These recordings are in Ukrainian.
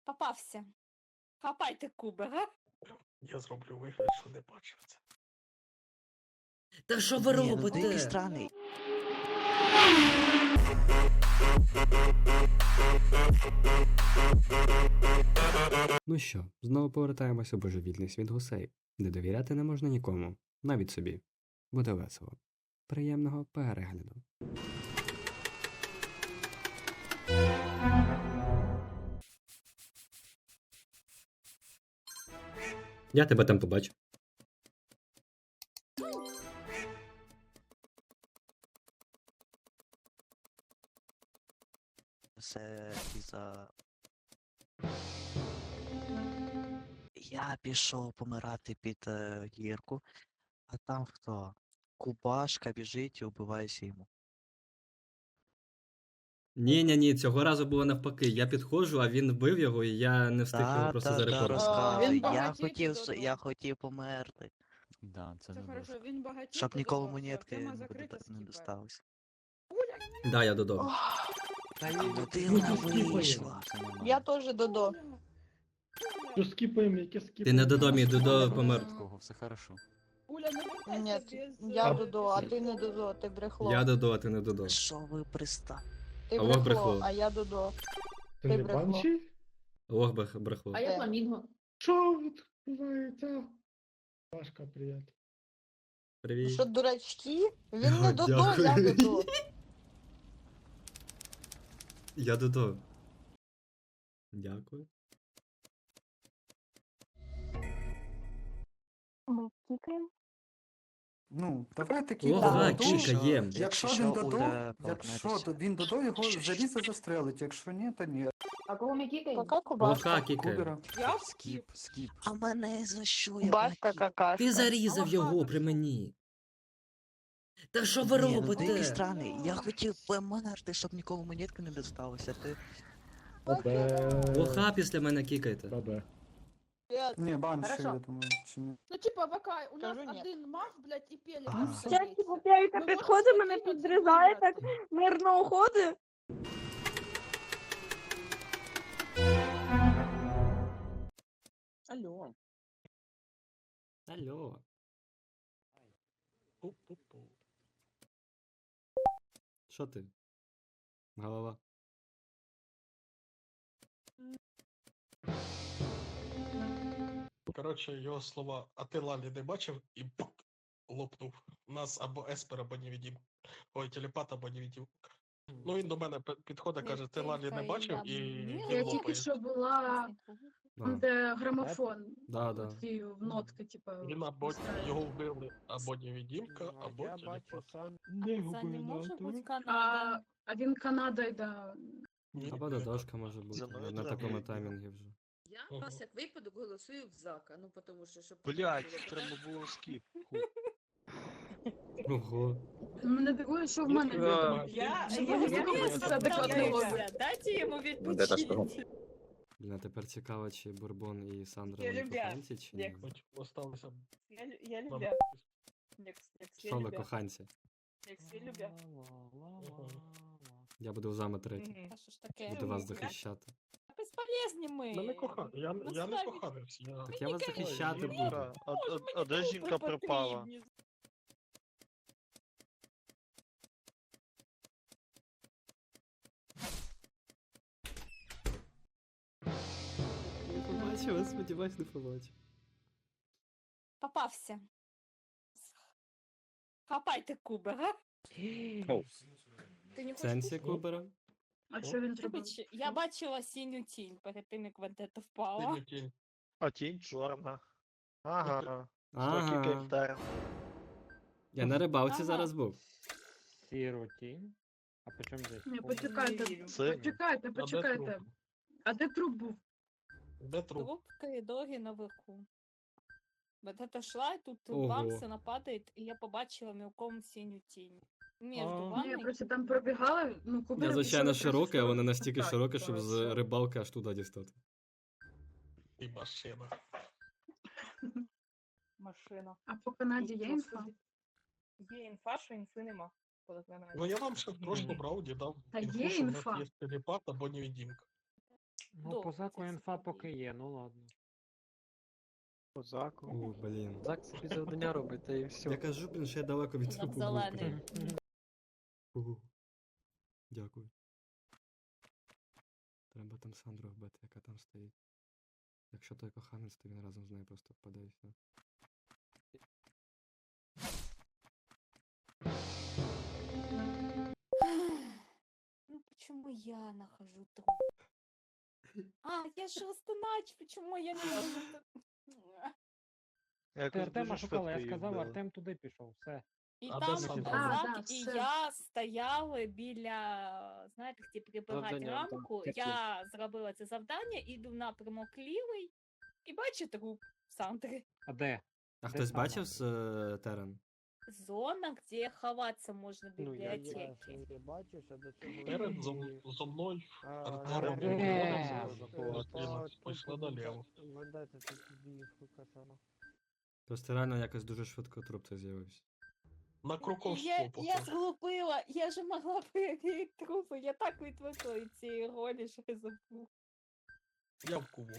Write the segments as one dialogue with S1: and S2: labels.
S1: Попався. Хапайте куби, га?
S2: Я зроблю вигляд, що не бачив це.
S3: Та що ви
S4: Ні, ну ти
S3: робите?
S4: якийсь странний.
S5: Ну що, знову повертаємося у божевільний світ гусей, де довіряти не можна нікому, навіть собі. Буде весело. Приємного перегляду. Я тебе там побачу.
S4: Це із-за... Я пішов помирати під гірку, а там хто? Кубашка біжить і вбивається йому.
S5: Ні, цього разу було навпаки. Я підходжу, а він вбив його, і я не встиг його просто зарепортити.
S4: розказуй.
S6: Він
S4: Я
S6: багатій
S4: хотів померти.
S7: Да, це
S6: Це
S7: не
S6: хорошо,
S7: важко.
S6: він багатій.
S4: Щоб ніколи
S6: подобався,
S4: монетки
S6: тема
S4: не
S6: закрита,
S4: не
S6: скіпаємо.
S4: досталось.
S5: Да, я додому.
S4: Людина вийшла.
S7: Це нормально.
S8: Я теж Додо.
S2: Що скіпаємо, яке
S5: Ти
S2: скіпаємо?
S5: не додому, Додо помер.
S7: Кого, все хорошо.
S6: Уля, не
S8: Ні,
S6: вертайся без...
S8: я Додо, а ти не Додо, ти брехло.
S5: Я Додо, а ти не Додо.
S4: Що ви пристали?
S8: Ти
S5: Алло,
S8: брехло,
S5: брехло.
S8: а я Додо.
S2: Ти
S8: ти
S2: не
S8: брехло.
S2: банші?
S5: Ох, брехло.
S6: А я фламінго.
S2: Що відбувається? Пашка, привіт.
S5: Привіт.
S8: Що, дурачки? Він не Додо, я
S5: Дякую.
S8: Додо.
S5: Я Додо. Дякую.
S1: Ми кікаємо.
S9: Ну, давай такі
S5: Ого,
S9: Додо.
S5: кікаєм.
S9: Якщо він Додо, якщо він Додо, його залізо застрелить, якщо ні, то ні.
S6: А кого ми кікаємо?
S8: Кака кубашка?
S5: Лоха кікає.
S9: Кубера.
S6: Я?
S7: Скіп.
S4: А мене за що? Я
S8: Кубашка
S4: бачив?
S8: какашка.
S5: Ти зарізав його при мені. Та що ви
S4: Ні, ну ти якийсь
S5: робите?
S4: странний. Я хотів померти, щоб ніколи монетки не досталося. Ти...
S5: Лоха після мене кікайте.
S2: Бабе.
S9: Ні, банші,
S6: Хорошо.
S9: я думаю, чи ні.
S6: Ну, типа, ВК, у нас
S8: Кажу, ні.
S6: один маг, блядь, і пелік.
S4: Ага.
S6: Всякі
S8: Поп'яйка
S6: Ну,
S8: підходить,
S6: можна
S8: мене
S6: скіпати,
S8: підрізає, так
S6: вибрати.
S8: мирно уходить.
S6: Алло.
S5: Алло.
S2: Пу-пу-пу.
S5: Що ти? Голова.
S2: Коротше, його слова, а ти Лалі не бачив і пук, лопнув. У нас або еспер, або невідім. Ой, телепат, або невідім. Ну він до мене підходить, каже, ти Лалі не бачив і він
S6: Я тільки
S2: лопає.
S6: що була,
S5: А,
S6: де грамофон.
S5: Да, да.
S6: Ті нотки, типа.
S2: Він або його вбили, або невідімка, або телепат. Не
S1: Це не може бути
S6: А,
S1: Канада.
S6: а він Канада, да.
S2: Ні,
S5: Або Додошка може бути.
S4: За мною
S5: На
S4: треба
S5: такому
S4: йти.
S5: таймінгі вже.
S10: Я
S2: Ага.
S10: вас як випадок голосую в Зака, ну тому що щоб
S11: Блять, треба було скіп.
S5: Ого.
S6: Мене дивує, що в мене
S2: Я-
S6: відомо.
S1: Я
S6: Це адекватний розгляд.
S1: Дайте йому відпочити.
S5: Блін, а тепер цікаво, чи Бурбон і Сандра
S1: Я
S5: вони
S1: любя.
S5: коханці, чи ні?
S1: Як-
S2: Хоч осталося.
S1: Я
S2: нам-
S1: любя.
S5: Що ви коханці?
S1: Я любя.
S5: Я буду з вами третій.
S1: А що ж таке?
S5: Буду вас захищати.
S1: Безполезні ми.
S2: Я не кохав, я не
S1: Насправді.
S2: коханився. Я...
S5: Так я вас захищати буду.
S11: Жінка, а де жінка пропала?
S5: Не побачив, сподіваюсь, не побачив.
S1: Попався. Хапайте куби, га?
S10: ти не
S5: В
S10: хочеш
S5: сенсі
S10: кушати?
S5: Кубера?
S6: А що він зробив?
S1: Я бачила синю тінь перед тим, як Вендета впала.
S2: Синю тінь.
S11: А тінь чорна. Ага.
S5: Ага.
S11: Кільтер.
S5: Я на рибалці
S1: Ага.
S5: зараз був.
S7: Сіру тінь. А по чому здесь?
S6: Ні, почекайте,
S11: Це-
S6: почекайте,
S2: А де
S6: почекайте.
S2: труп?
S6: А де труп був?
S2: Де труп?
S1: Труп в коридорі наверху. Вендета шла, і тут
S5: Ого.
S1: бамс, вона падає, і я побачила мілком синю тінь. Між
S5: А.
S6: Ні,
S1: вами.
S6: просто там пробігали, ну, Кубера
S5: Я, звичайно,
S6: пішов
S5: широкий, а
S6: якраз
S5: вона
S6: у
S5: настільки
S6: так,
S5: широка, щоб
S6: то
S5: з
S6: все.
S5: рибалки аж туди дістати.
S2: І машина.
S1: Машина.
S6: А по Канаді є інфа?
S1: Є інфа, що інфи нема. Коли Канаді.
S2: Ну я вам ще в прошлому раунді дав
S6: Та
S2: інфу,
S6: є
S2: що в нас
S6: інфа.
S2: є телепат або невідімка.
S7: Ну, по заку
S1: це
S7: інфа
S1: собі.
S7: поки є, ну ладно.
S11: По заку.
S5: О, блін.
S7: Зак собі завдання робить, та і все.
S5: Я кажу, блін, що я далеко від
S1: Зак
S5: трупу був.
S1: зелений.
S5: блін. Ого. Дякую. Треба там Сандру вбити, яка там стоїть. Якщо той коханець, то він разом з нею просто впаде і все.
S1: Ну почему я нахожу труп? А, я же Растанач, почему я не могу?
S7: Ти
S11: Якось
S7: Артема
S11: дуже
S7: шукала, я
S11: швидко її
S7: сказав,
S11: вбили.
S7: Артем туди пішов, все.
S1: І
S2: А
S1: там
S2: де Сандра?
S1: Зак
S6: Да,
S1: і
S6: все.
S1: я стояли біля, знаєте, де прибирати
S7: Завдання, да,
S1: рамку.
S7: таке.
S1: Я зробила це завдання, іду в напрямок лівий і бачу труп Сандри.
S7: А де?
S5: А
S7: Де
S5: хтось
S7: саме?
S5: бачив з Терен?
S1: Зона, де ховатися можна в
S7: Ну,
S1: бібліотеці.
S7: бачиш, а до цього...
S2: Перед зо мною Артемом пішли наліво.
S5: Просто реально якось дуже швидко труп цей з'явився.
S2: На Круковську
S1: Я
S2: поки.
S1: зглупила, я ж могла перевірити трупи, я так відвикла від цієї ролі, що я забула.
S2: Я в кубу.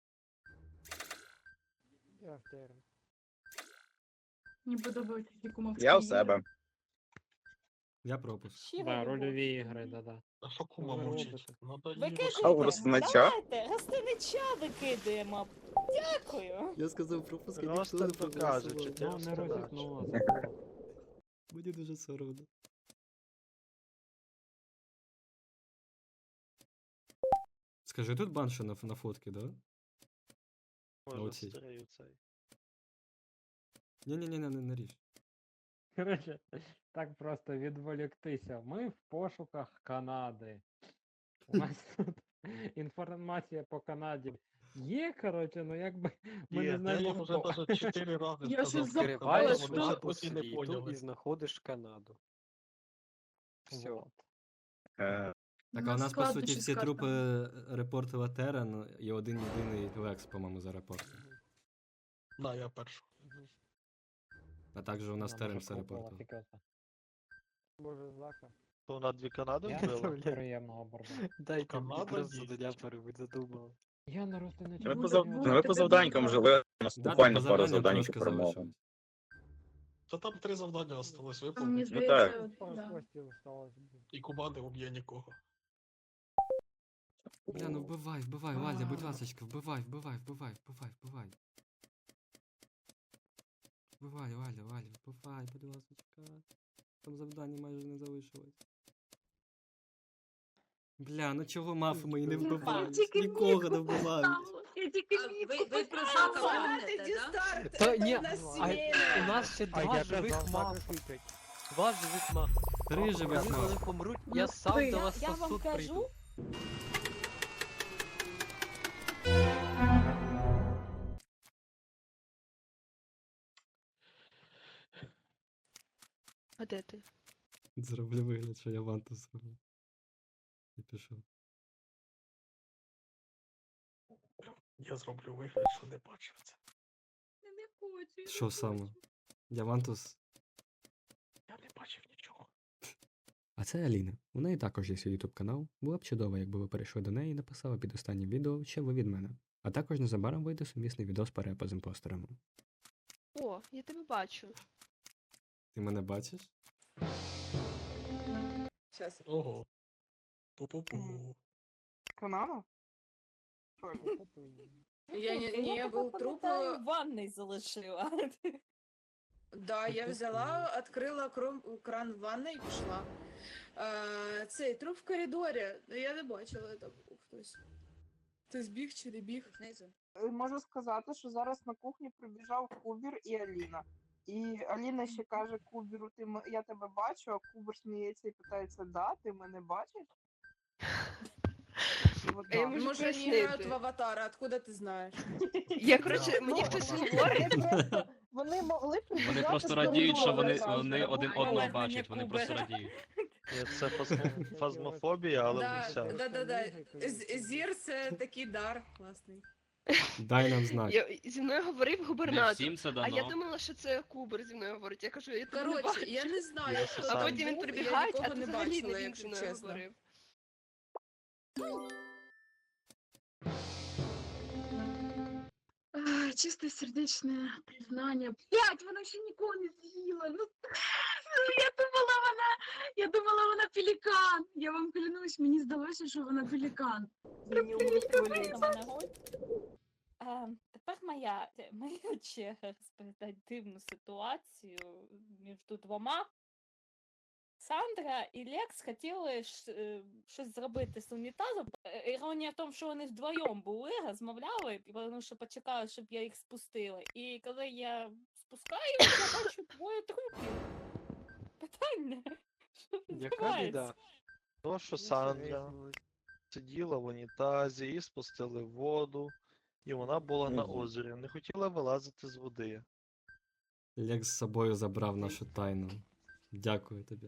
S7: Я в Терен.
S6: Мені подобається ті кумовські
S12: Я у
S6: ігри.
S12: себе.
S5: Я пропуск.
S1: Щира
S7: Да,
S1: любов.
S7: рольові ігри, да-да.
S2: А що кума
S7: Ви
S2: мовчить?
S7: робите?
S2: Надо її
S1: Викидуйте,
S12: А у Ростинича?
S1: давайте, Ростинича викидаємо. Дякую.
S5: Я сказав пропуск,
S11: Просто покаже, чи ти
S7: Ну, не
S11: Ростинач.
S7: розікнула, забула.
S5: Мені дуже соромно. Скажи, тут банша на фотки, да?
S11: Може,
S5: оцій.
S11: старий цей.
S5: Ні-ні-ні, не ріж.
S7: Коротше, так просто відволіктися. Ми в пошуках Канади. У нас тут інформація по Канаді є, коротше, ну якби ми
S11: Є,
S7: не
S2: Я
S7: знаємо
S2: їм вже
S7: хто.
S2: навіть 4 рази
S6: Я
S2: сказав.
S6: ще
S2: Відкриваєш,
S6: запала,
S2: вони
S6: що
S2: ще досі не поняли.
S7: знаходиш Канаду. Все.
S12: Е,
S5: Так, а у нас, по
S6: складно
S5: суті,
S6: щось
S5: всі
S6: сказати.
S5: трупи репортила Терен і один єдиний Лекс, по-моєму, за репорт.
S2: На, я перший.
S5: А також у нас Терен все репортив.
S7: Боже, Зака.
S11: То вона 2 Канади
S7: Я
S11: вбила?
S7: приємного борба.
S2: Дайте Канада дійсно.
S7: задумав. Я на Ростиничі.
S12: Ви
S6: Буде-
S12: по
S6: буде
S12: ви по
S6: тебе
S12: завданькам
S6: добре.
S12: жили, у нас
S5: Да,
S12: буквально
S5: по
S12: пару
S5: завданням
S12: завданьок
S5: трошки
S12: перемога.
S5: залишилось.
S2: Та там 3 завдання осталось
S6: Мені
S2: виповнити.
S6: здається,
S12: так.
S6: да.
S2: І Куба не уб'є нікого.
S5: Бля, ну вбивай, Валя, будь ласочка, вбивай. Вбивай, Валя, вбивай, будь ласочка. Там завдання майже не залишилось. Бля, ну чого мафи мої не вбивають?
S6: тільки
S5: Нікого не
S6: мітку
S5: вбивають.
S6: Я тільки
S10: А
S6: мітку
S10: ви про
S6: поставила.
S10: Зака помните, да?
S7: Та ні, у нас ще два живих мафа. Два живих мафа.
S5: Три живих
S7: Коли вони
S5: маф.
S7: помруть,
S6: Ну,
S7: я сам
S6: ви-
S7: до вас
S1: Я
S7: на
S1: вам
S7: суд
S1: кажу,
S7: прийду.
S8: А де ти?
S5: Зроблю вигляд, що я ванту зроблю. І пішов.
S2: Я зроблю вигляд, що не бачив це.
S6: Я не хочу. я
S5: Що
S6: не
S5: саме?
S6: хочу.
S5: Діамантус.
S2: Я не бачив нічого.
S5: А це Аліна. У неї також є свій YouTube канал. Було б чудово, якби ви перейшли до неї і написали під останнім відео, що ви від мене. А також незабаром вийде сумісний відео з перепа з імпостерами.
S8: О, я тебе бачу.
S5: Ти мене бачиш?
S10: Щас.
S2: Ого. Пу-пу-пу.
S8: Канала?
S10: Я був труп.
S1: пам'ятаю, в ванной залишила.
S10: Да, я взяла, відкрила кран в ванной і пішла. Цей труп в коридорі. Я не бачила, там був хтось. Ти збіг чи не біг? Знизу.
S8: Можу сказати, що зараз на кухні прибіжав Кубір і Аліна. І Аліна ще каже Кубіру, я тебе бачу, а Кубір сміється і питається, да, ти мене бачиш? Вот так.
S10: Може, вони грають в аватара, откуда ти знаєш?
S8: Я, коротше, мені хтось говорить. Вони могли прибіжати.
S7: Вони просто радіють, що вони один одного бачать, вони просто радіють.
S11: Ні, це фазмофобія, але не вся.
S10: Да. Зір це такий дар класний.
S5: Дай нам знак.
S8: Зі мною говорив губернатор.
S7: Всім це
S8: А
S7: дано.
S8: я думала, що це Кубер зі мною говорить. Я кажу, я тебе не
S10: Коротше,
S8: бачу.
S10: я не знаю,
S11: Я
S10: хто
S11: сам.
S10: там
S8: А потім він
S10: був,
S8: прибігає,
S10: я
S8: а
S10: нікого
S8: ти
S10: не
S8: взагалі
S10: бачила,
S8: не він зі
S10: якщо
S8: мною
S10: чесно.
S8: говорив.
S6: чистосердечне признання. Вона ще нікого не з'їла. Ну, я думала, вона пелікан. Я вам клянусь, мені здалося, що вона пелікан.
S1: Тепер моя черга розповідати дивну ситуацію між двома. Сандра і Лекс хотіли щось зробити з унітазом. Іронія в тому, що вони вдвоєм були, розмовляли, тому що почекали, щоб я їх спустила. І коли я спускаю, я бачу двоє трупів. Питання, що відбувається?
S11: То, що Сандра сиділа в унітазі, її спустили в воду, і вона була на озері, не хотіла вилазити з води.
S5: Лекс з собою забрав нашу тайну. Дякую тобі.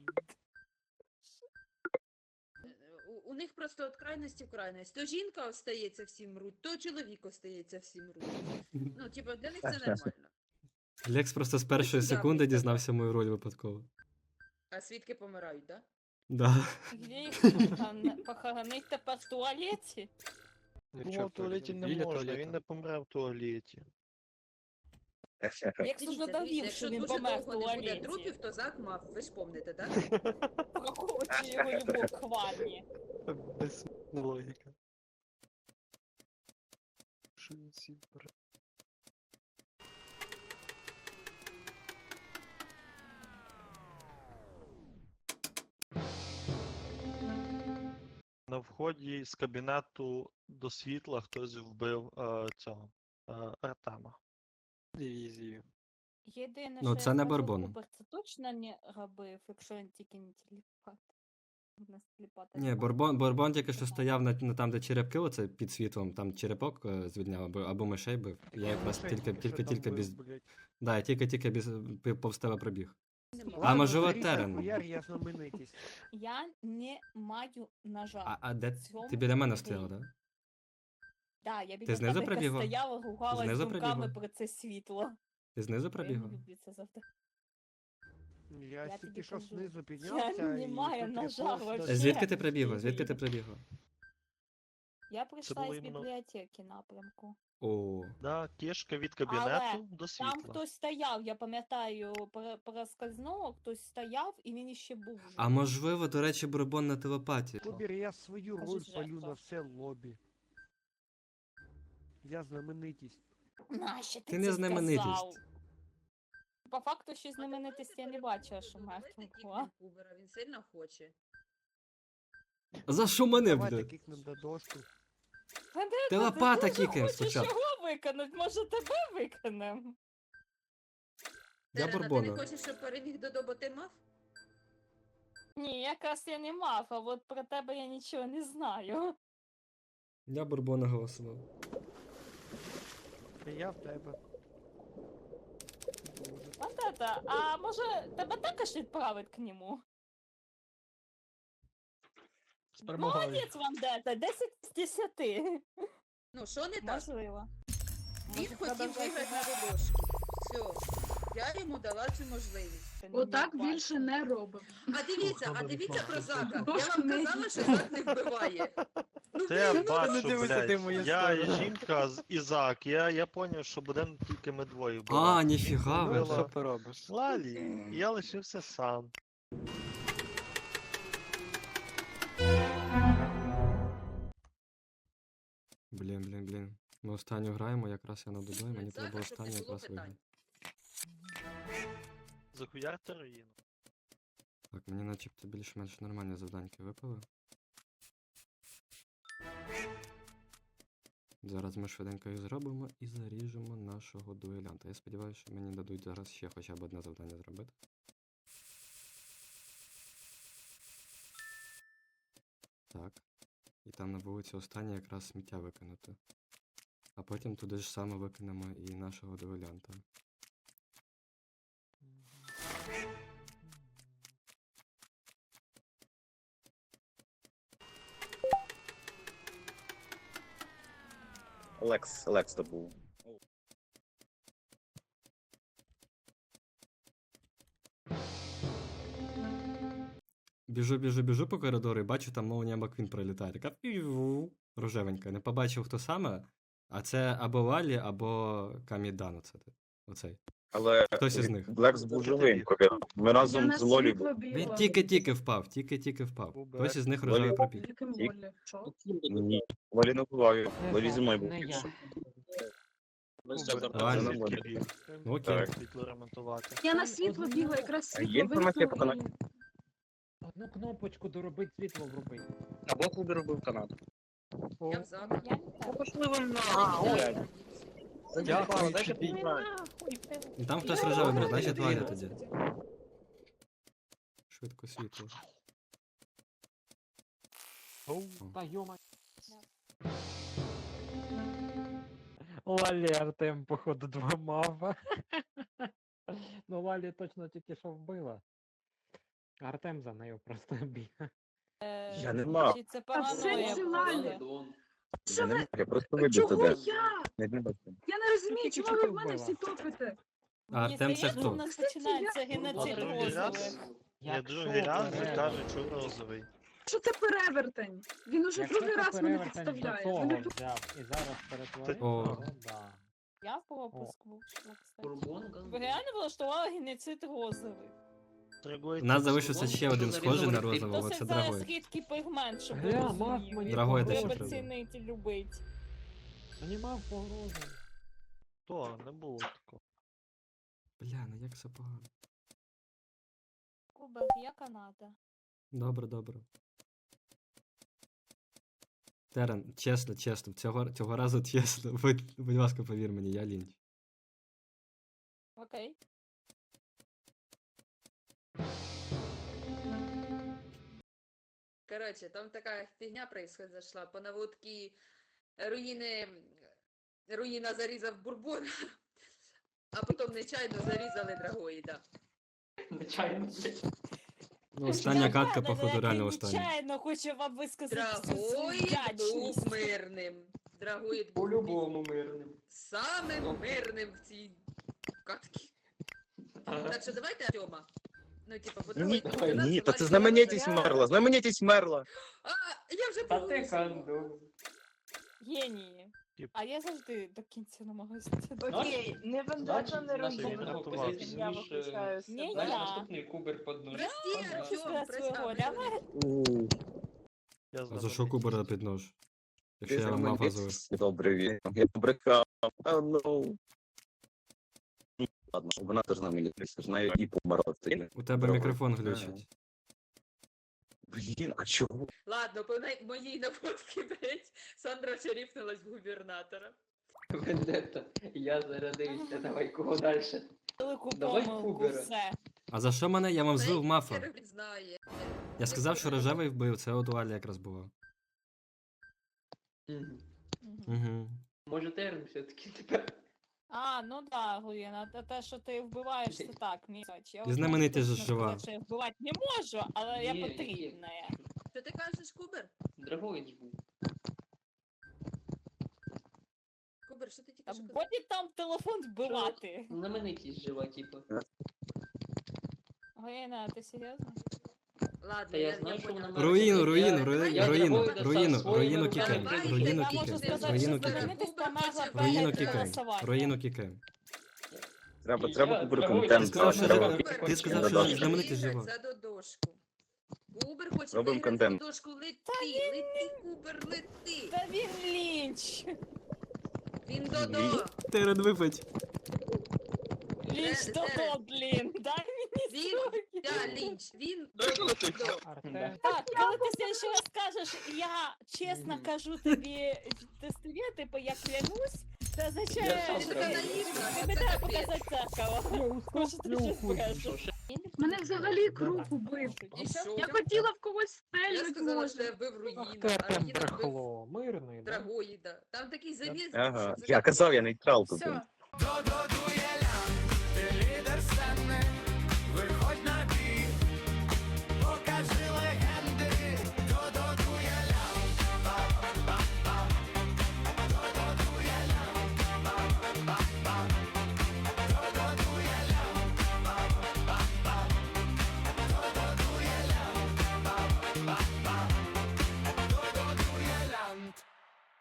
S3: У них просто від крайності в крайність. То жінка остається всім руть, то чоловік остається всім руть. Ну, типа, для них це нормально.
S5: Лекс просто з першої секунди дізнався мою роль випадково.
S3: А свідки помирають, так?
S5: Да.
S1: Де їх похоронить тепер в туалеті?
S11: Думав, в туалеті не можна, він не помре в туалеті.
S1: Як тут надавив,
S3: Якщо
S1: що він
S3: дуже
S1: помер в
S3: довго не буде
S1: туалеті.
S3: трупів, то Зак мав, ви ж помните, так?
S1: Прокручує його любов к ванні.
S11: Без логіки. Що він сіпер? На вході з кабінету до світла хтось вбив цього Артема. Дивізію.
S1: Єдине,
S5: Ну,
S1: що
S5: це
S1: я
S5: не
S1: скажу,
S5: Барбон.
S1: Кубер це точно не робив, якщо він тільки не телепат. У нас телепата
S5: Ні,
S1: немає.
S5: Борбон тільки що стояв на там, де черепки, оце під світлом, там черепок звільняв, або мишей бив. Я якраз тільки без. Да, я тільки повз тебе пробіг. А можливо Терен.
S7: Я знаменитість.
S1: Я не маю ножа.
S5: А де
S1: В цьому
S5: ти біля мене
S1: ідея.
S5: стояла, да?
S1: Да, я біля
S5: Ти знизу
S1: тебе
S5: прибігла?
S1: стояла, ругалась
S5: Знизу
S1: думками
S5: прибігла?
S1: про це світло.
S5: Ти знизу
S1: Я не
S5: пробігла?
S1: люблю це завжди.
S7: Я
S1: Я
S7: тільки
S1: тобі
S7: що
S1: кажу,
S7: знизу
S1: я
S7: піднявся
S1: не
S7: і
S1: маю
S7: тут
S1: ножа
S7: репост
S1: вообще.
S7: дав.
S5: Звідки ти прибігла?
S1: Ні.
S5: Звідки ти прибігла?
S1: Я прийшла
S11: було
S1: із
S11: іменно-
S1: бібліотеки напрямку.
S5: О,
S11: Да, кішка від
S1: Але
S11: кабінету до
S1: там
S11: світла.
S1: хтось стояв, я пам'ятаю, проскользнуло, хтось стояв і він іще був.
S5: а
S1: живий.
S5: можливо, до речі, Борбон на телепатії.
S7: Кубір, я свою
S1: Кажи,
S7: роль
S1: жертва.
S7: палю на все лобі. Я знаменитість.
S1: Нащо ти
S5: Ти не
S1: це
S5: знаменитість.
S1: сказав? По факту, що знаменитості я не бачила, що мертва була.
S3: Кубера, він сильно хоче.
S5: За що мене,
S7: Давайте
S5: блядь?
S7: кикнем до дошку.
S1: Мене
S5: Ти
S1: тут
S5: лопата
S1: дуже
S5: кікаєм
S1: хочеш
S5: спочатку.
S1: його виконати, може тебе виконем?
S5: Я
S3: Терена, ти не
S5: Борбона.
S3: хочеш, щоб переміг Додо, ти мав?
S1: Ні, якраз я не мав, а от про тебе я нічого не знаю.
S5: Я Борбона голосував.
S7: І я в тебе.
S1: От это, а може тебе також відправить к нему?
S2: З перемогою.
S1: Молодець вам, Дета, 10 з 10.
S3: Ну, що не так?
S1: Можливо.
S3: Він
S1: Може,
S3: хотів
S1: продовжати
S3: виграти на
S1: грати?
S3: додошки. Все. Я йому дала цю можливість.
S6: Отак більше не робимо.
S3: А дивіться про Зака. Я
S6: Дошку
S3: вам
S6: не
S3: казала, що Зак не вбиває. Ну,
S11: Це я
S3: блін,
S11: бачу,
S7: дивися ти в мою
S11: блядь. Я і
S7: сторону.
S11: жінка і Зак. Я поняв, що будемо тільки ми двоє
S5: А,
S11: вбивати.
S5: ніфіга ви.
S11: Що ти робиш? Лалі, і я лишився сам.
S5: Блін. Ми останню граємо, якраз я на Дудо, і мені
S3: Зака,
S5: треба
S3: щоб не
S5: останню
S3: було
S5: якраз
S3: питань.
S5: виграти.
S11: Захуярте руїну.
S5: Так, мені начебто більш-менш нормальні завданьки випали. Зараз ми швиденько їх зробимо і заріжемо нашого дуелянта. Я сподіваюся, що мені дадуть зараз ще хоча б одне завдання зробити. Так. І там на вулиці останнє якраз сміття викинути. А потім туди ж саме викинемо і нашого дуелянта.
S12: Лекс то був.
S5: Біжу по коридору і бачу, там молнія Маквін пролітає. Така пів рожевенька. Не побачив, хто саме. А це або Лалі, або Камідан, оцей.
S12: Але
S5: Хтось із них.
S12: Блекс був живим, коли ми разом з Лолі були.
S5: Він тільки-тільки впав. Хтось із них рожевий пробіг.
S12: Ні, Лолі не буває. Лолі зі мною був.
S5: Лалі. Ну окей.
S11: Світло ремонтувати.
S6: Я на світло бігла, якраз
S12: Є
S6: світло
S12: інформація по
S6: вимкнули.
S12: Канаді?
S7: Одну кнопочку доробить, світло вробить.
S12: Або Кубер робив Канаду.
S3: Я в замок.
S8: Пошли ви на.
S12: Дякую,
S5: І там хтось рожевий був, значить Валя тоді. Швидко світло.
S7: Та йома. Лалі Артем, походу, 2 мава. Ну, Лалі точно тільки що вбила. Артем за нею просто бігає.
S12: Я не мав.
S1: Чи це
S6: А
S1: параноя
S6: все ці
S1: була?
S6: Лалі.
S12: Я не мав, я просто вибив
S6: Чого
S12: тебе.
S6: я?
S12: Не бачив.
S6: Я не розумію,
S7: Тільки
S6: чому ви
S7: що
S6: в мене
S7: вбила.
S6: всі топите?
S5: А Артем це
S1: Здається, у
S5: хто?
S1: нас починається геноцид
S11: Другий раз?
S1: розових.
S11: Я другий раз вже кажу, що розовий.
S6: Що це перевертень? Він уже
S7: Якщо
S6: другий
S7: це
S6: раз мене
S7: перевертень до
S6: підставляє.
S7: того
S6: Мене
S7: взяв і зараз перетворив,
S5: О.
S7: то да.
S1: Я в пропуск вийшла, кстати. Ви реально влаштували геноцид розових?
S5: У нас залишився ще один схожий на розового,
S1: То
S5: це
S1: це
S5: Драгой.
S1: зараз рідкий пігмент, щоб ви
S7: Гля, мав
S1: розуміли.
S7: мені
S5: Драгой
S7: погрозу.
S5: те, що
S1: Треба
S5: треба.
S1: цінити і любити.
S7: Мені мав погрозу.
S11: То, не було такого.
S5: Бля, ну як все погано.
S1: Кубер, я Канада.
S5: Добре. Терен, чесно, цього разу чесно. Будь ласка, повір мені, я лінч.
S1: Окей.
S3: Короче, там такая фигня произошла. По наводке руїна зарізав Бурбон, а потім нечайно зарізали Драгоїда.
S5: Ну, остання катка, походу, реально остання.
S1: Нечайно хочу вам висказати всю свою
S3: Драгоїд
S1: вдячність.
S3: був мирним. Драгоїд був
S13: По-любому мирним.
S3: самим мирним в цій катці. Так що давайте Артема. Ну, типа, бо
S12: Ні,
S3: Драгоїд
S12: ні, та це знаменитість мерла, знаменитість мерла.
S3: А, я вже
S13: Та ти
S3: проголосувала.
S13: канду.
S1: Генії. А я завжди до кінця намагаюся.
S8: Окей, не вендета, не
S11: Наші
S8: руїна.
S11: врятувався.
S8: Я виключаю
S1: Ні,
S8: себе.
S1: я.
S13: Наступний кубер под нож.
S3: Прости,
S1: Я
S3: Артем,
S1: свого
S3: представ.
S1: ляма.
S11: Я
S5: А за що Кубера під нож? Якщо
S12: Ти
S5: я вам мав газовий.
S12: знаменитість. Добре, він. Я побрехав. Ну. Ладно, вона теж знаменитість, знаю, і померла.
S5: У тебе мікрофон глючить.
S12: Блін, а чого?
S3: Ладно, по моїй наводці, блять, Сандра шарифнулась в губернатора.
S13: Вендетта. Я зарядився. Давай кого далі?
S1: Велику
S13: Давай
S1: помилку,
S13: Кубера.
S1: все.
S5: А за що мене? Я вам злив мафа.
S3: Хер знає.
S5: Я сказав, що рожевий вбив, це от у Алі якраз було.
S13: Мгм.
S5: Угу.
S13: Може терн все-таки тепер.
S1: А, ну да, Гуєна, те, що ти вбиваєш, це так, міч. Я
S5: І знаменитість
S1: точно
S5: же жива.
S1: сказати, що я вбивати не можу, але я
S13: Є, є.
S1: потрібна.
S3: Що ти кажеш, Кубер?
S13: Драгоїд ж був.
S3: Кубер, що ти тільки
S1: Та
S3: що казав?
S1: буде там телефон вбивати.
S13: Знаменитість жива, типу.
S1: Гуєна, ти серйозно?
S3: Ладно,
S13: Та я знаю, що
S3: поняла.
S13: вона
S5: Руїну,
S13: Я
S5: руїну
S13: Драгоїда
S5: кікаємо,
S13: сам
S5: руїну
S13: своїми
S5: кікаємо,
S1: Я можу
S5: руїну
S1: сказати,
S5: кікаємо,
S1: що
S5: руїну кікаємо,
S1: знаменитість померла
S5: руїну
S1: перед
S5: кікаємо,
S1: голосуванням.
S5: руїну кікаємо.
S12: Треба Кубер
S13: Драгоїд.
S12: контент.
S5: Ти сказав, що
S12: треба.
S3: Кубер,
S5: Ти сказав,
S12: що
S3: хоче
S5: знаменитість
S3: виграти
S5: жива.
S3: за додошку. Кубер хоче
S12: Робимо
S3: виграти за
S12: контент.
S3: додошку. Лети, Кубер, лети.
S1: Та він лінч.
S3: Він додо.
S5: Терен випить.
S1: Лінч додо, блін. Дай мені
S3: Він,
S1: спокій.
S3: да, лінч, він додо.
S7: Артем.
S1: Так, коли ти ще раз скажеш, я чесно кажу тобі тестові, типу, я клянусь, це означає,
S13: Я
S1: що
S3: Це наївно,
S1: тобі
S3: це
S1: треба
S3: капець.
S1: показати дзеркало. Може, ти щось брешеш.
S6: Мене взагалі круг убив.
S3: І що?
S6: Я хотіла в когось
S3: Я
S6: стрельнути,
S3: сказала, що я
S6: може.
S3: вбив
S7: Ах
S3: руїна,
S7: ти
S3: а
S7: Артем
S3: руїна вбив
S7: брехло. Мирний, да?
S3: Драгоїда. Там такий завіс.
S12: Ага,
S3: що це
S12: я казав, я нейтрал тут.
S3: Все.
S12: був.